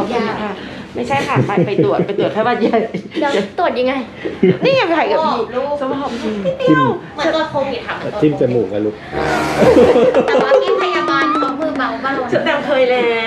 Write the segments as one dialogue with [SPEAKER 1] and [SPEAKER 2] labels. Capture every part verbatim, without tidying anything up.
[SPEAKER 1] อบคุณค่ะไม่ใช่ค่ะไปไปตรวจไปตรวจแค่วันใหญ่
[SPEAKER 2] เดี๋ยวตรวจยังไง
[SPEAKER 1] นี่ยังไงกับพี่
[SPEAKER 2] ลูก
[SPEAKER 1] สมองจริง
[SPEAKER 3] จิ้ม
[SPEAKER 2] เหมือนตัวโควิดค่ะ
[SPEAKER 3] จิ้มจมูกอะลูก
[SPEAKER 2] แต่ว่าพี่พยาบาลเขามือเบาบ้าง
[SPEAKER 1] ฉันแต่เคยแล้ว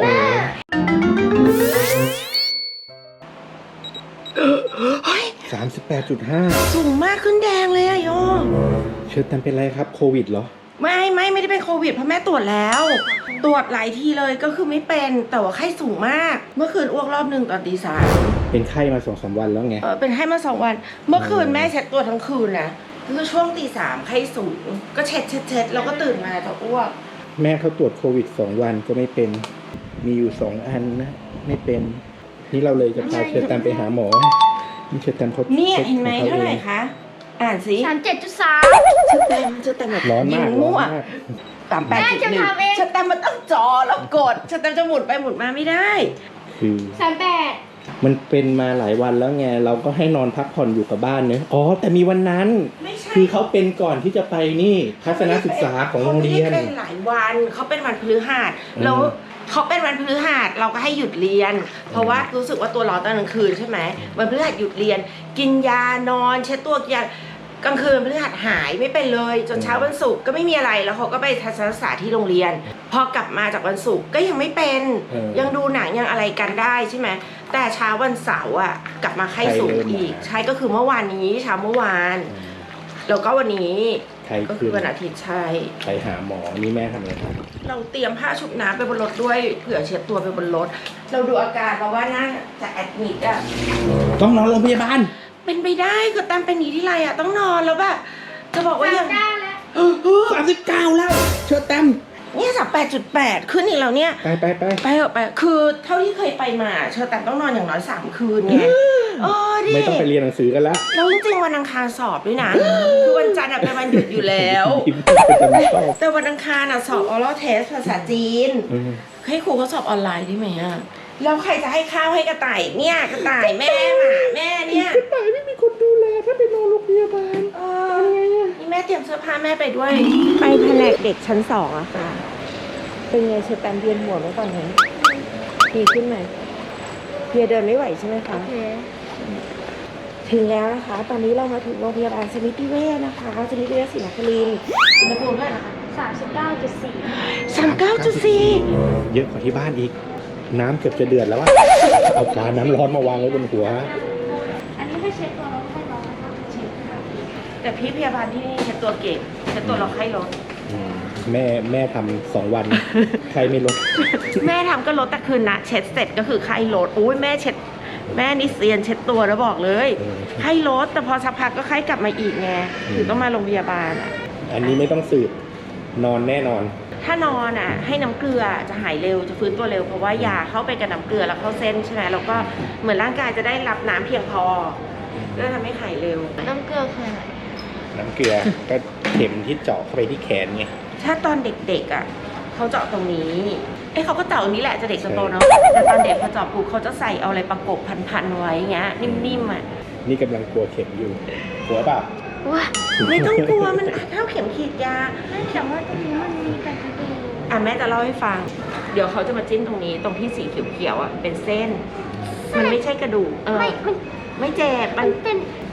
[SPEAKER 3] สามสิบแปดจุดห้า
[SPEAKER 1] สูงมากขึ้นแดงเลยอะโย
[SPEAKER 3] เชิญตันเป็นไรครับโควิดเหรอ
[SPEAKER 1] ไม่ไม่ไม่ได้เป็นโควิดเพราะแม่ตรวจแล้ว ตรวจหลายทีเลยก็คือไม่เป็นแต่ว่าไข้สูงมาก เมื่อคืนอ้วกรอบหนึ่งตอนตีสาม
[SPEAKER 3] เป็นไข้มาสองสามวันแล้วไง
[SPEAKER 1] เออเป็นไข้มาสองวัน เมื่อคืนแม่เช็ดตัวทั้งคืนนะคือช่วงตีสามไข้สูงก็เช็ดเช็ดเช็ดแล้วก็ตื่นมาจะอ้วก
[SPEAKER 3] แม่เขาตรวจโควิดสองวันก็ไม่เป็น มีอยู่สองอันนะไม่เป็น นี่เราเลยจะพาเชิญตันไปหาหมอนี่เชิญตันเขา
[SPEAKER 1] เนี่ย
[SPEAKER 3] ช็ค
[SPEAKER 1] เห็นไหม
[SPEAKER 3] ของ
[SPEAKER 1] เท่าไหร่
[SPEAKER 3] อง
[SPEAKER 1] คะอ่านสิ
[SPEAKER 2] สามเจ็ดจุดสาม
[SPEAKER 1] ชื่อเต็มชื่อเต็มแบบ
[SPEAKER 3] ร้อนมาก
[SPEAKER 1] ยิง
[SPEAKER 3] ร้อ
[SPEAKER 1] มั่
[SPEAKER 3] น
[SPEAKER 1] ว
[SPEAKER 3] มาก
[SPEAKER 1] สามแปดจุดหนึ่ง
[SPEAKER 2] แม่จะทำเอง
[SPEAKER 1] ชื่อเต็มมันต้องจอแล้วกดชื่อเต็มจะหมุนไปหมุนมาไม่ได้
[SPEAKER 3] คือ
[SPEAKER 2] สามแปด
[SPEAKER 3] มันเป็นมาหลายวันแล้วไงเราก็ให้นอนพักผ่อนอยู่กับบ้านเนอะอ๋อแต่มีวันนั้น
[SPEAKER 1] ไม่ใช่
[SPEAKER 3] คือเขาเป็นก่อนที่จะไปนี่ทัศนศึกษาของโรงเรียน
[SPEAKER 1] เขาไม่ได้เป็นหลายวันเขาเป็นวันพฤหัส
[SPEAKER 3] อืม
[SPEAKER 1] แล้วเขาเป็นวันพฤหัสเราก็ให้หยุดเรียน เพราะว่ารู้สึกว่าตัวร้อนตอนกลางคืนใช่ไหมวันพฤหัสหยุดเรียน กินยานอนเช็ดตัวกินยากลางคืนพฤหัสหายไม่เป็นเลย จนเช้าวันศุกร์ก็ไม่มีอะไรแล้วเขาก็ไปทัศนศึกษาที่โรงเรียน พอกลับมาจากวันศุกร์ก็ยังไม่เป็น
[SPEAKER 3] เออ
[SPEAKER 1] ยังดูหนังยังอะไรกันได้ใช่ไหมแต่เช้าวันเสาร์อ่ะกลับมาไข้สูง
[SPEAKER 3] ไข้เริ่ม
[SPEAKER 1] อีก
[SPEAKER 3] มา
[SPEAKER 1] ใช่ก็คือเมื่อวานนี้เช้าเมื่อวาน แล้วก็วันนี้
[SPEAKER 3] ใคร
[SPEAKER 1] ก็
[SPEAKER 3] คื
[SPEAKER 1] คือ อวันอาทิตย์ใช่
[SPEAKER 3] ไปหาหมอนี่แม่ทำอะไรครับ
[SPEAKER 1] เราเตรียมผ้าชุบน้ำไปบนรถด้วยเผื่อเช็ดตัวไปบนรถ เราดูอาการเราว่าน่าจะแอดมิดอะ
[SPEAKER 3] ต้องนอนโรงพยาบาล
[SPEAKER 1] เป็นไปได้ก็ตามเป็นนี้ที่ไรอะต้องนอนแล้วแบบจะบอกว่า
[SPEAKER 2] สา
[SPEAKER 1] ยั
[SPEAKER 2] ม
[SPEAKER 1] ง
[SPEAKER 2] เก้าแล้ว
[SPEAKER 3] สามสิบเก้าแล้ว เชิญแต้ม
[SPEAKER 1] เนี่ยสามแปดจุดแปดขึ้นอีกแล้วเนี่ย
[SPEAKER 3] ไปไปไป
[SPEAKER 1] ไปเถอะไปคือเท่าที่เคยไปมาเชอแต่ต้องนอนอย่างน้อยสามคืนไงเออดิ
[SPEAKER 3] ไม่ต้องไปเรียนหนังสือกันแล้ว
[SPEAKER 1] แล้วจริงๆวันอังคารสอบด้วยนะ คือวันจันทร์อะเป็นวันหยุดอยู่แล้ว
[SPEAKER 3] ยิ้มเป็นจำชอบ
[SPEAKER 1] แต่วันอังคารอะสอบ oral test ภาษาจีน
[SPEAKER 3] อืม
[SPEAKER 1] ให้ครูเขาสอบออนไลน์ได้ไหมอะแล้วใครจะให้ข้าวให้กระต่ายเนี่ยกระต่ายแม่หมาแม่เนี่ย
[SPEAKER 3] แต่ไม่มีคนดูแลถ้าไปนอนโรงพยาบาล
[SPEAKER 1] เออนี่แม่เตรียมเสื้อผ้าแม่ไปด้วย ไปแผนกเด็กชั้นสองอะค่ะ เป็นไงเชอแตมเวียนหัวไหมตอนนี้ดีขึ้นไหมเพียเดินไม่ไหวใช่ไหมคะ
[SPEAKER 2] โอเค
[SPEAKER 1] ถึงแล้วนะคะ ตอนนี้เรามาถึงโรงพยาบาลสมิติเวชนะคะสมิติเวชศรีนครินทร์อุณหภูมิเท่าไหร่นะคะ
[SPEAKER 2] สามสิบเก้าจุดสี่
[SPEAKER 1] สามเก้าจุดสี่
[SPEAKER 3] เยอะกว่าที่บ้านอีก น้ำเกือบจะเดือดแล้วอะเอากาน้ำร้อนมาวางไว้บนหัว
[SPEAKER 2] อันนี้ไม่เช็ดตัวแล้วไม่ร้อนนะคะเช็ดค่ะ
[SPEAKER 1] แต่พี่พยาบาลที่นี่เช็ดตัวเก่งเช็ดตัวเราไข้ลด
[SPEAKER 3] อืมแม่แม่ทำสองวัน ใครไม่ลด
[SPEAKER 1] แม่ทำก็ลดแต่คืนนะเช็ดเสร็จก็คือไข้ลดอุ้ยแม่เช็ดแม่นิเซียนเช็ดตัวแล้วบอกเลย
[SPEAKER 3] เออ
[SPEAKER 1] ไข้ลดแต่พอสักพักก็ไข้กลับมาอีกไง
[SPEAKER 3] อืม
[SPEAKER 1] ถึงต้องมาโรงพยาบาลอะ
[SPEAKER 3] อันนี้ไม่ต้องสืบ นอนแน่นอน
[SPEAKER 1] ถ้านอนอ่ะให้น้ำเกลือจะหายเร็วจะฟื้นตัวเร็วเพราะว่ายาเข้าไปกับน้ำเกลือแล้วเข้าเส้นใช่ไหมแล้วก็เหมือนร่างกายจะได้รับน้ำเพียงพอก็ทำให้หายเร็ว
[SPEAKER 2] น้ำเกลือคืออะไร
[SPEAKER 3] น้ำเกลือ ก็เข็มที่เจาะเข้าไปที่แขนไง
[SPEAKER 1] ถ้าตอนเด็กๆอ่ะเขาเจาะตรงนี้เอ้เขาก็เจาะตรงนี้แหละจะเด็กจะโตเนาะแต่ตอนเด็กพอเจาะปุ๊บเขาจะใส่เอาอะไรประกบพันๆไว้เงี้ยนิ่มๆอ่ะ
[SPEAKER 3] นี่กำลังกลัวเข็มอยู่ กลัวเปล่า
[SPEAKER 2] ว้า
[SPEAKER 1] ไม่ต้องกลัวมันเท่าเข็มขีดยา
[SPEAKER 2] ไม่แต่ว่าตรงนี้มันมีการกระดูก
[SPEAKER 1] อ่ะแม่จะเล่าให้ฟัง เดี๋ยวเขาจะมาจิ้มตรงนี้ตรงที่สีเขียวๆอ่ะเป็นเส้น มันไม่ใช่กระดูกเออ
[SPEAKER 2] ไม่มัน
[SPEAKER 1] ไม่เจ็บมัน
[SPEAKER 2] เป็น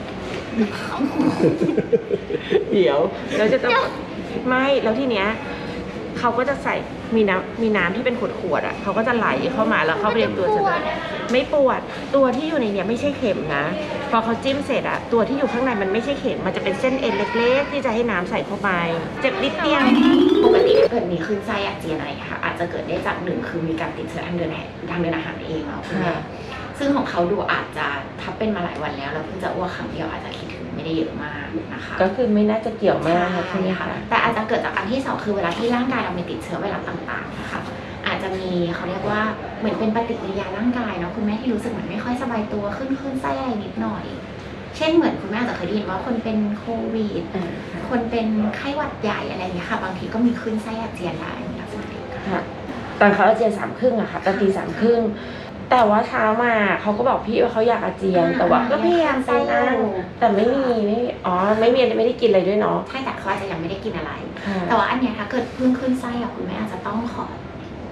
[SPEAKER 1] เดี๋ยวเราจะต้องไม่แล้วทีเนี้ยเขาก็จะใส่มีน้ำมีน้ำที่เป็นขวดๆอ่ะเขาก็จะไหลเข้ามาแล้วเข้าไปในตัวฉันไม่ปวดตัวที่อยู่ในเนี้ยไม่ใช่เข็มนะพอเขาจิ้มเสร็จอ่ะตัวที่อยู่ข้างในมันไม่ใช่เข็มมันจะเป็นเส้นเอ็นเล็กๆที่จะให้น้ำใส่เข้าไปเจ็บนิดเดียว
[SPEAKER 4] ปกติถ้าเกิดมีคลื่นไส้อาเจียนอะไรค่ะอาจจะเกิดได้จากหนึ่งคือมีการติดเชื้อทางเดินอาหารทางเดินอาหารเองเนาะคุณแม่ซึ่งของเขาดูอาจจะถ้าเป็นมาหลายวันแล้วแล้วเพิ่งจะอ้วกครั้งเดียวอาจจะคิดถึงไม่ได้เยอะมากนะคะ
[SPEAKER 1] ก็คือไม่น่าจะเกี่ยวมากนะ
[SPEAKER 4] ใช่
[SPEAKER 1] ใช่ไหม
[SPEAKER 4] ค่ะ
[SPEAKER 1] คะ
[SPEAKER 4] แต่อาจจะเกิดจากอันที่สองคือเวลาที่ร่างกายเรามีติดเชื้อไวรัสต่างๆนะคะอาจจะมีเขาเรียกว่าเหมือนเป็นปฏิกิริยาร่างกายเนาะคุณแม่ที่รู้สึกเหมือนไม่ค่อยสบายตัวขึ้นขึ้นไส้อะไรนิดหน่อย เช่นเหมือนคุณแม่อาจจะเคยได้ยินว่าคนเป็นโควิด คนเป็นไข้หวัดใหญ่อะไรอย่างเงี้ยค่ะบางทีก็มีขึ้นไส้อาเจียนได้ในลักษณะเดียวกัน
[SPEAKER 1] ค่ะตอนเขาอาเจียนสามครึ่งอะค่ะตอนตีสามครึ่งแต่ว่าเช้ามาเขาก็บอกพี่ว่าเขาอยากอาเจียน แต่ว่าก็พยายามไปนั่งแต่ไม่มีไม่อ๋อไม่มีไม่ได้กินอะไรด้วยเนาะ
[SPEAKER 4] ใช่แต่เขาอาจจะยังไม่ได้กินอะไร
[SPEAKER 1] ค่ะ
[SPEAKER 4] แต่ว่าอันเนี้ยถ้าเกิดเพิ่งขึ้นไส้อะคุณแม่อาจจะต้องขอ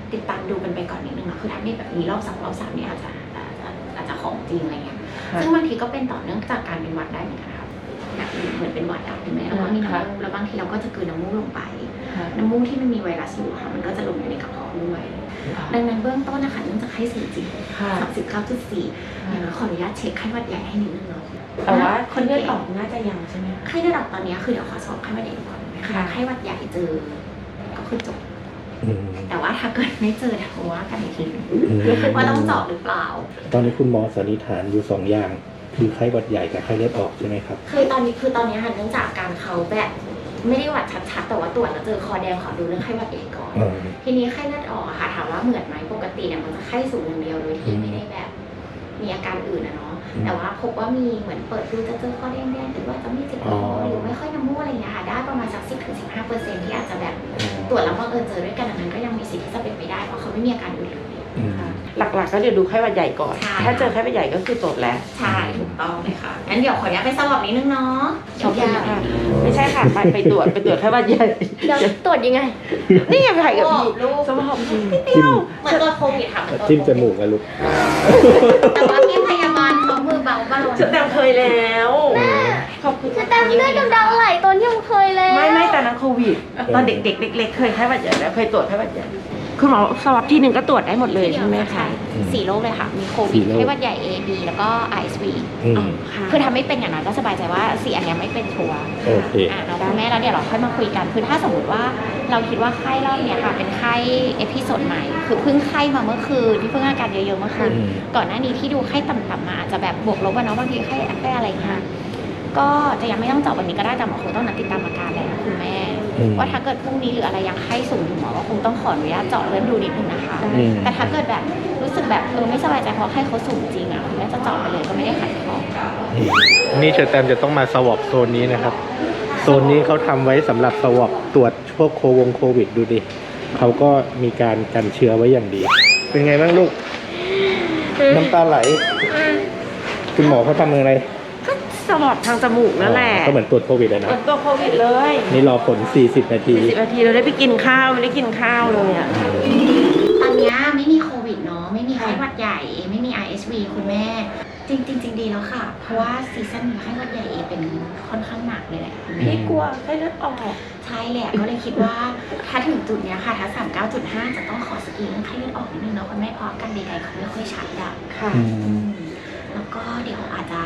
[SPEAKER 4] ติดตามดูกันไปก่อนนิดนึงเนาะคือถ้ามีแบบนี้รอบสองรอบสามเนี่ยอาจจะอาจจะอาจจะของจริงอะไรเงี้ยซึ่งบางทีก็เป็นต่อเนื่องจากการเป็นหวัดได้เหมือนกันครับแบบเหมือนเป็นหวัดอะถูกไหมแล้วก็มีน้ำมูกแล้วบางทีเราก็จะกลืนน้ำมูกลงไปน้ำมูกที่มันมีไวรัสอยู่ค่ะมันก็จะลงไปในกระเพาะด้วยดังนั้นเบื้องต้นนะคะเนื่องจากไข้สูงจริงสามสิบเก้าจุดสี่อย่างน้อยขออนุญาตเช็คไข้หวัดใหญ่ให้นิดนึงเนาะ
[SPEAKER 1] แต่ว่าคนเลือดออกน่าจะยังใช่ไหม
[SPEAKER 4] ไข้เลือดออกตอนนี้คือเดี๋ยวขอสอบไข้หวัดใหญ่ก่อนนะคะไข้หวัดใหญ่เจอก็คือจบ
[SPEAKER 3] อืม
[SPEAKER 4] แต่ว่าถ้าเกิดไม่เจอเดี๋ยวว่ากันอีกทีนึง
[SPEAKER 3] อืม
[SPEAKER 4] ว่าต้องเจาะหรือเปล่า
[SPEAKER 3] ตอนนี้คุณหมอสันนิษฐานอยู่สองอย่าง คือไข้หวัดใหญ่กับไข้เลือดออกใช่ไหมครับ
[SPEAKER 4] คือตอนนี้คือตอนนี้ค่ะเนื่องจากการเขาแบบไม่ได้หวัดชัดๆแต่ว่าตรวจแล้วเจอคอแดงขอดูเรื่องไข้หวัดใหญ่ก่อน
[SPEAKER 3] อืม
[SPEAKER 4] ทีนี้ไข้เลือดออกอะค่ะถามว่าเหมือนไหมปกติเนี่ยมันจะไข้สูงอย่างเดียวโดยที่ไม่ได้แบบมีอาการอื่นนะเนาะแต่ว่าพบว่ามีเหมือนเปิดดูจะเจอคอแดงๆหรือว่าจะมีเจ็บคอหรือไม่ค่อยน้ำมูกอะไรอย่างเงี้ยค่ะได้ประมาณสักสิบถึงสิบห้าเปอร์เซ็นต์ที่อาจจะแบบตรวจแล้วบังเอิญเจอด้วยกันอันนั้นก็ยังมีสิทธิ์ที่จะเป็นไปได้เพราะเขาไม่มีอาการอื่นเลย
[SPEAKER 3] อืม
[SPEAKER 1] หลักๆก็เดี๋ยวดูไข้หวัดใหญ่ก่อน
[SPEAKER 4] ใช่
[SPEAKER 1] ถ้าเจอไข้หวัดใหญ่ก็คือจบแล้ว
[SPEAKER 4] ใช่ถูกต้องเลยค่ะงั้นเดี๋ยวขออนุญาตไปสวอปนิดนึงเนาะ
[SPEAKER 1] ขอบคุณค่ะไม่ใช่ค่ะ ไปไปตรวจไปตรวจไข้หวัดใหญ่
[SPEAKER 2] เดี๋ยวตรวจยังไง
[SPEAKER 1] นี่ไงไปถ่ายกับพี่
[SPEAKER 4] ลูก
[SPEAKER 1] สมองจริง
[SPEAKER 3] จิ้ม
[SPEAKER 4] เหมือนตัวโควิดค่ะเหมือนตัว
[SPEAKER 3] จิ้มจมูกอะลูก
[SPEAKER 4] แต่ว่าพี่พยาบาลเขามือเบาบ้าง
[SPEAKER 1] ฉันแตมเคยแล้วขอบคุณ
[SPEAKER 2] คือตามเลือดกำเดาไหลตอนที่ผมเคยแล้ว
[SPEAKER 1] ไม่ไม่แต่นั้นโควิด ตอนเด็กๆเล็กๆเคยไข้หวัดใหญ่แล้วเคยตรวจไข้หวัดใหญ่คุณหมอสวอปที่หนึ่งก็ตรวจได้หมดเลยใช่ไหมคะ
[SPEAKER 4] สี่โรคเลยค่ะ มีโค
[SPEAKER 3] สี่
[SPEAKER 4] วิด
[SPEAKER 3] โรค
[SPEAKER 4] ไข้หวัดใหญ่ A B แล้วก็ ไอ เอส วี
[SPEAKER 3] อืม
[SPEAKER 1] ค่ะ
[SPEAKER 4] คือทำไม่เป็นอย่างนั้นก็สบายใจว่าสี่อันเนี้ยไม่เป็นชัวร์
[SPEAKER 3] โอเค
[SPEAKER 4] อ่ะเราคุณแม่แล้วเดี๋ยวเราค่อยมาคุยกัน คือถ้าสมมติว่าเราคิดว่าไข้รอบเนี้ยค่ะ เป็นไข้เอพิโซดใหม่ คือเพิ่งไข้มาเมื่อคืนที่เพิ่งอาการเยอะๆเมื่อคืน
[SPEAKER 3] อืม
[SPEAKER 4] ก่อนหน้านี้ที่ดูไข้ต่ำๆมาอาจจะแบบบวกลบอะเนาะบางทีไข้ไข้อะไรเงี้ยก็จะยังไม่ต้องเจาะวันนี้ก็ได้แต่หมอคงต้องนัดติดตามอาการแหละนะคุณแม่
[SPEAKER 3] อืม
[SPEAKER 4] ว่าถ้าเกิดพรุ่งนี้หรืออะไรยังไข้สูงอยู่หมอก็คงต้องขออนุญาตเจาะเลือดดูนิดนึงนะคะ
[SPEAKER 3] อืม
[SPEAKER 4] แต่ถ้าเกิดแบบรู้สึกแบบเออไม่สบายใจเพราะไข้เขาสูงจริงอ่ะคุณแม่จะเจาะไปเลยก็ไม่ได้ขัดข้อง
[SPEAKER 3] นี่เชอร์แตมจะต้องมาสวอปโซนนี้นะครับ โซนนี้เขาทำไว้สำหรับสวอปตรวจพวกโควงโควิดดูดิเขาก็มีการกันเชื้อไว้อย่างดี เป็นไงบ้างลูก น้ำตาไหล คุณหมอเขาทำอะไร
[SPEAKER 1] ก็สวอปทางจมูกนั่นแหละ
[SPEAKER 3] ก็เหมือนตรวจโควิดเลย
[SPEAKER 1] ตร
[SPEAKER 3] นะ
[SPEAKER 1] วจตัวโควิดเลย
[SPEAKER 3] นี่รอผล สี่สิบ นาที
[SPEAKER 1] สิบนาทีเราได้ไปกินข้าวไม่ได้กินข้าวเลยอ่ะ
[SPEAKER 4] ตอนเนี้ยไม่มีโควิดเนาะไม่มีไข้หวัดใหญ่ไม่มี ไอ เอส วี คุณแม่จริงจริงจริงดีแล้วค่ะ เพราะว่าซีซั่นนี้ไข้หวัดใหญ่เอเป็นค่อนข้างหนักเลยแหละคุณแม่
[SPEAKER 1] พี่กลัวไข้เลือดออก
[SPEAKER 4] ใช่แหละก็เลยคิดว่าถ้าถึงจุดเนี้ยค่ะถ้า สามสิบเก้าจุดห้า จะต้องขอสกรีนเรื่องไข้เลือดออกนิดนึงเนาะคุณแม่เพราะอาการใดๆเขาไม่ค่อยชัดอะ
[SPEAKER 1] ค่ะ
[SPEAKER 3] อืม
[SPEAKER 4] แล้วก็เดี๋ยวอาจจะ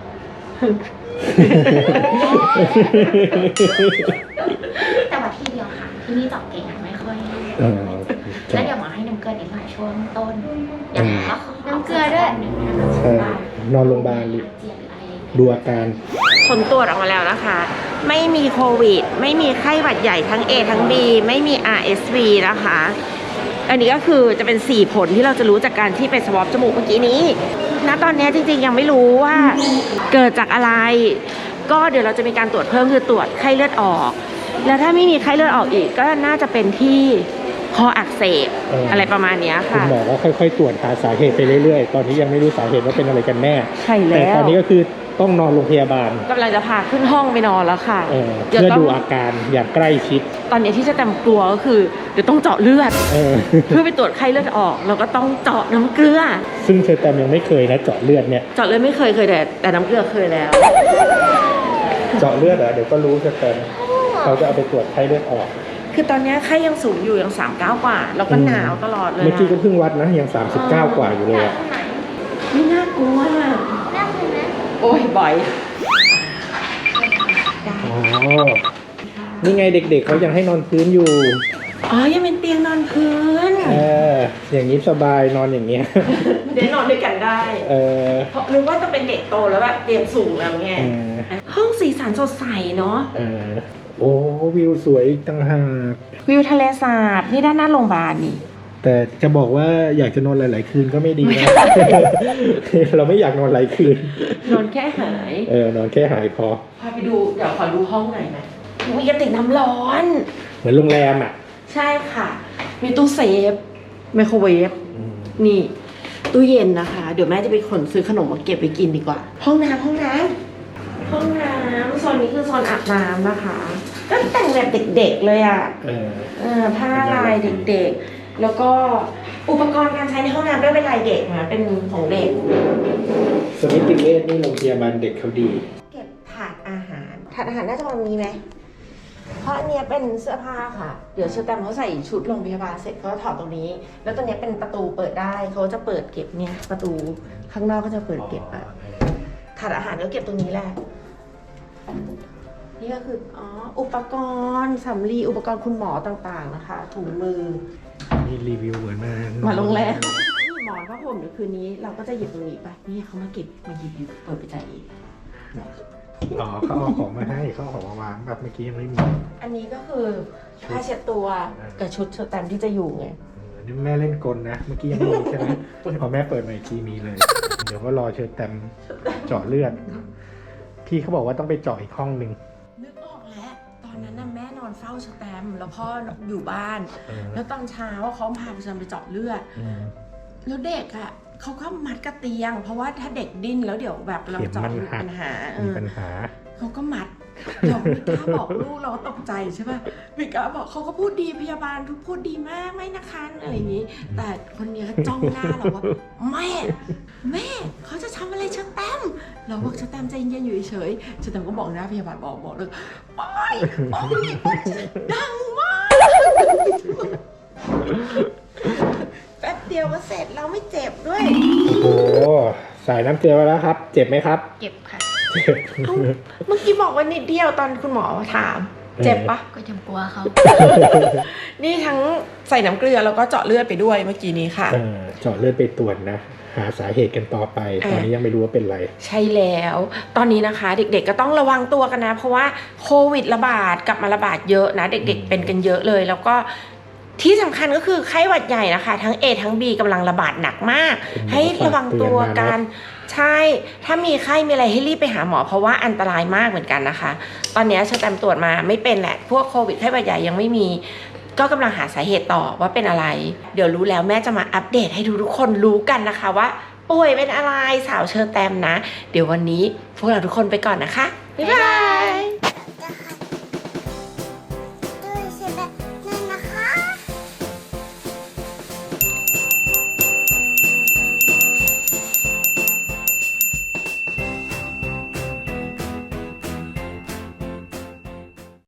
[SPEAKER 4] แต่ว่าที่เดียวค่ะ ที่นี่เจาะเก่งค่ะไม่ค่อย
[SPEAKER 3] เออ
[SPEAKER 4] แล้วเดี๋ยวหมอให้น้ำเกลือนิดหน่อยช่วงต้นเดี๋ยวหมอก็ขอ
[SPEAKER 2] น้ำเกลือด้วย
[SPEAKER 4] หนึ่งนะคะ
[SPEAKER 3] ใช่นอนโรงพยาบาล
[SPEAKER 4] เจียหรืออะไรอย่างเงี้ย
[SPEAKER 3] ดูอาการ
[SPEAKER 1] ผลตรวจออกมาแล้วนะคะ ไม่มีโควิด ไม่มีไข้หวัดใหญ่ทั้ง A ทั้ง B ไม่มี อาร์ เอส วี นะคะ อันนี้ก็คือจะเป็นสี่ผลที่เราจะรู้จากการที่ไปสวอปจมูกเมื่อกี้นี้ ณ ตอนนี้จริงๆยังไม่รู้ว่าเกิดจากอะไร ก็เดี๋ยวเราจะมีการตรวจเพิ่มคือตรวจไข้เลือดออก แล้วถ้าไม่มีไข้เลือดออกอีก ก็น่าจะเป็นที่คออักเสบ
[SPEAKER 3] เอออ
[SPEAKER 1] อะไรประมาณเนี้ย
[SPEAKER 3] คุณ
[SPEAKER 1] ค่ะ
[SPEAKER 3] หมอก็ค่อยๆ ตรวจหาสาเหตุไปเรื่อยๆ ตอนนี้ยังไม่รู้สาเหตุว่าเป็นอะไรกันแน่
[SPEAKER 1] ใช่
[SPEAKER 3] แต่
[SPEAKER 1] แล้ว
[SPEAKER 3] ตอนนี้ก็คือต้องนอนโรงพยาบาล
[SPEAKER 1] กำลังจะพาขึ้นห้องไปนอนแล้วค่ะ
[SPEAKER 3] เออ
[SPEAKER 1] เดี๋ยว
[SPEAKER 3] เพื่อ
[SPEAKER 1] ต้อง
[SPEAKER 3] ดูอาการอย่างใกล้ชิด
[SPEAKER 1] ตอนนี้ที่จะแตมกลัวก็คือเดี๋ยวต้องเจาะเลือด
[SPEAKER 3] เออ
[SPEAKER 1] เพื่อไปตรวจไข้เลือดออกเราก็ต้องเจาะน้ำเกลือ
[SPEAKER 3] ซึ่งเชอร์แตมยังไม่เคยนะเจาะเลือดเนี่ย
[SPEAKER 1] เจาะเลือดไม่เคยเคยแต่แต่น้ำเกลือเคยแล้ว
[SPEAKER 3] เจาะเลือดเหรอเดี๋ยวก็รู้เชอร์แตมเขาจะเอาไปตรวจไข้เลือดออก
[SPEAKER 1] คือตอนนี้ไข้ยังสูงอยู่ยังสามเก้ากว่าแล้วก็หนาวตลอดเลย
[SPEAKER 3] เมื่อกี้ก็
[SPEAKER 1] อะ
[SPEAKER 3] เพิ่งวัดนะยังสามสิบเก้ากว่าอยู่เลยอะ
[SPEAKER 1] ไม่น่ากลัวอะ
[SPEAKER 2] น่าคุณไหม
[SPEAKER 1] โอ้ยบ่อย
[SPEAKER 3] อ๋อ นี่ไงเด็กๆเขายังให้นอนพื้นอยู่
[SPEAKER 1] อ๋อยังเป็นเตียงนอนพื้น
[SPEAKER 3] เออ อย่างนี้สบายนอนอย่างเงี้ย
[SPEAKER 1] เดี๋ยวนอนด้วยกันได้
[SPEAKER 3] เออ
[SPEAKER 1] เพราะนึกว่าจะเป็นเด็กโตแล้วแบบเตียงสูงแล้วไง
[SPEAKER 3] เออ
[SPEAKER 1] ห้องสีสันสดใสเนาะ
[SPEAKER 3] เออ โอ้วิวสวยอีกต่างหาก
[SPEAKER 1] วิวทะเลสาบนี่ด้านหน้าโรงพยาบาลนี่
[SPEAKER 3] แต่จะบอกว่าอยากจะนอนหลาย ๆ คืนก็ไม่ดีนะ เราไม่อยากนอนหลายคืน
[SPEAKER 1] นอนแค่หาย
[SPEAKER 3] เออนอนแค่หายพอ
[SPEAKER 1] พาไปดูเดี๋ยวขอดูห้องหน่อยนะมีกระติกน้ำร้อน
[SPEAKER 3] เหมือนโรงแรมอ่ะ
[SPEAKER 1] ใช่ค่ะ มีตู้เซฟไมโครเวฟ
[SPEAKER 3] อืม
[SPEAKER 1] นี่ ตู้เย็นนะคะ เดี๋ยวแม่จะไปขนซื้อขนมมาเก็บไปกินดีกว่า ห้องน้ำห้องน้ำห้องน้ำโซนนี้คือโซนอาบน้ำนะคะ ก็แต่งแบบเด็กๆเลยอ่ะ
[SPEAKER 3] เออ
[SPEAKER 1] เออผ้าลายเด็กๆแล้วก็อุปกรณ์การใช้ในห้องน้ำด้วยเป็นลายเด็กนะเป็นของเด็ก
[SPEAKER 3] สมิติเวชนี่โรงพยาบาลเด็กเขาดี
[SPEAKER 1] เก็บถาดอาหารถาดอาหารน่าจะประมาณนี้ไหมเพราะอันเนี้ยเป็นเสื้อผ้าค่ะเดี๋ยวเชอร์แตมเขาใส่ชุดโรงพยาบาลเสร็จเขาถอดตรงนี้ แล้วตัวเนี้ยเป็นประตูเปิดได้เขาจะเปิดเก็บเนี่ยประตูข้างนอกก็จะเปิดเก็บอะถาดอาหารก็เก็บตรงนี้แหละนี่ก็คืออ๋ออุปกรณ์สำลีอุปกรณ์คุณหมอต่างๆนะคะถุงมือ
[SPEAKER 3] นี่รีวิวเหมือนมา
[SPEAKER 1] มาโรงแรมนี่หมอนผ้าห่มเดี๋ยวคืนนี้เราก็จะหยิบตรงนี้ไปนี่เขามาเก็บมาหยิบอยู่เปิดไปจ่ายอีก
[SPEAKER 3] อ๋อเขาเอาของมาให้เขาเอาของมาวางแบบเมื่อกี้ยังไม่มี
[SPEAKER 1] อันนี้ก็คือผ้าเช็ดตัวกับชุดเชอร์แตมที่จะอยู่ไง
[SPEAKER 3] เออนี่แม่เล่นกลนะ เมื่อกี้ยังไม่มีใช่ไหมพอแม่เปิดมาอีกทีมีเลย เดี๋ยวก็รอเชิญแตมเจาะเลือด พี่เขาบอกว่าต้องไปเจาะอีกห้องหนึ่ง
[SPEAKER 1] นึกออกแล้วตอนนั้นน่ะแม่นอนเฝ้าเชอร์แตมแล้วพ่ออยู่บ้าน
[SPEAKER 3] เออ
[SPEAKER 1] แล้วตอนเช้าเขาพาเชอร์แตมไปเจาะเลือด
[SPEAKER 3] อืม
[SPEAKER 1] แล้วเด็กอ่ะเขาก็มัดกระเตียง เพราะว่าถ้าเด็กดิ้นแล้วเดี๋ยวแบบเราเจาะ
[SPEAKER 3] เข็มมัน
[SPEAKER 1] มี
[SPEAKER 3] หัก
[SPEAKER 1] ปัญหาเอ
[SPEAKER 3] มี
[SPEAKER 1] อ
[SPEAKER 3] ปัญหา
[SPEAKER 1] เขาก็มัดเราไม่กล้าบอกลูกเราก็ตกใจใช่ป่ะไม่กล้าบอกเขาก็พูดดีพยาบาลทุกพูดดีมากไม่นะคะอะไรอย่างนี้ แต่คนเนี้ยจ้องหน้าเราว่าแม่แม่เขาจะทำอะไรเชอร์แตมเราบอกเชอร์แตมใจเย็นๆอยู่เฉยๆเชอร์แตมก็บอกหน้าพยาบาลบอกบอกเลยไปไปดังมากแป๊บเดียวก็เสร็จเราไม่เจ็บด้วย
[SPEAKER 3] โอ้โหใส่น้ำเกลือไปแล้วครับ เจ็บไหมครับ
[SPEAKER 4] เก็บค่ะ
[SPEAKER 3] เจ็บ
[SPEAKER 1] เอ้าเมื่อกี้บอกว่านิดเดียวตอนคุณหมอถาม เจ็บปะ
[SPEAKER 4] ก็ยังกลัวเขา
[SPEAKER 1] นี่ทั้งใส่น้ำเกลือแล้วก็เจาะเลือดไปด้วยเมื่อกี้นี้ค่ะ
[SPEAKER 3] เออเจาะเลือดไปตรวจนะ หาสาเหตุกันต่อไป ตอนนี้ยังไม่รู้ว่าเป็นไร
[SPEAKER 1] ใช่แล้ว ตอนนี้นะคะเด็กๆก็ต้องระวังตัวกันนะ เพราะว่าโควิดระบาดกลับมาระบาดเยอะนะ เด็กๆเป็นกันเยอะเลย แล้วก็ที่สำคัญก็คือไข้หวัดใหญ่นะคะ ทั้ง A ทั้ง B กำลังระบาดหนักมาก
[SPEAKER 3] คุณหมอ
[SPEAKER 1] ให้ระวังตัวกัน
[SPEAKER 3] ฝากเตือนมา
[SPEAKER 1] ใช่ ถ้ามีไข้มีอะไรให้รีบไปหาหมอเพราะว่าอันตรายมากเหมือนกันนะคะ ตอนนี้เชอร์แตมตรวจมาไม่เป็นแหละ พวกโควิดไข้หวัดใหญ่ยังไม่มี ก็กำลังหาสาเหตุต่อว่าเป็นอะไร เดี๋ยวรู้แล้วแม่จะมาอัปเดตให้ทุกๆคนรู้กันนะคะว่าป่วยเป็นอะไรสาวเชอร์แตมนะ เดี๋ยววันนี้พวกเราทุกคนไปก่อนนะคะ บ๊ายบาย